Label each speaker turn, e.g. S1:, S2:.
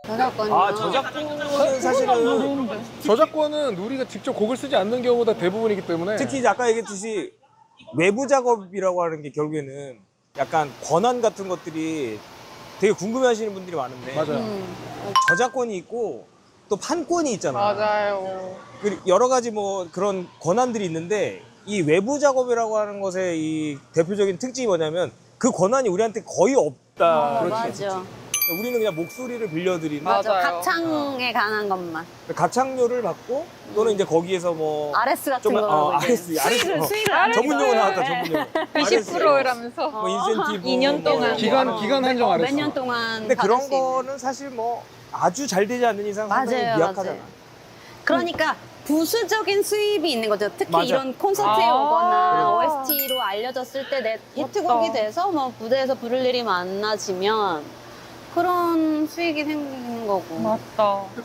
S1: 저작권이요?
S2: 아, 저작권은 사실은
S3: 저작권은 우리가 직접 곡을 쓰지 않는 경우가 대부분이기 때문에
S2: 특히 이제 아까 얘기했듯이 외부 작업이라고 하는 게 결국에는 약간 권한 같은 것들이 되게 궁금해하시는 분들이 많은데
S3: 맞아요.
S2: 저작권이 있고 또 판권이 있잖아.
S4: 맞아요.
S2: 그리고 여러 가지 뭐 그런 권한들이 있는데 이 외부 작업이라고 하는 것의 이 대표적인 특징이 뭐냐면 그 권한이 우리한테 거의 없다.
S1: 맞아.
S2: 우리는 그냥 목소리를 빌려드리는
S1: 맞아.
S4: 맞아요.
S1: 가창에 관한 것만.
S2: 가창료를 받고 또는 이제 거기에서 뭐
S1: RS 같은
S2: 좀,
S1: 거.
S2: RS,
S1: 수익을
S4: 안
S2: 전문 용어 나왔다,
S4: 네.
S2: 전문 용어.
S4: 20%라면서.
S2: 뭐 인센티브
S4: 2년 동안.
S2: 뭐.
S3: 기간 한정 안 했어.
S1: 몇 년 동안.
S2: 근데
S1: 받을
S2: 그런
S1: 수 있는.
S2: 거는 사실 뭐 아주 잘 되지 않는 이상 상당히
S1: 맞아요,
S2: 미약하잖아.
S1: 맞아요. 그러니까 부수적인 수입이 있는 거죠. 특히
S2: 맞아.
S1: 이런 콘서트에
S4: 아.
S1: 오거나 OST로 알려졌을 때 내 히트곡이
S4: 맞다.
S1: 돼서 뭐 무대에서 부를 일이 많아지면 그런 수익이 생기는 거고.
S4: 맞다.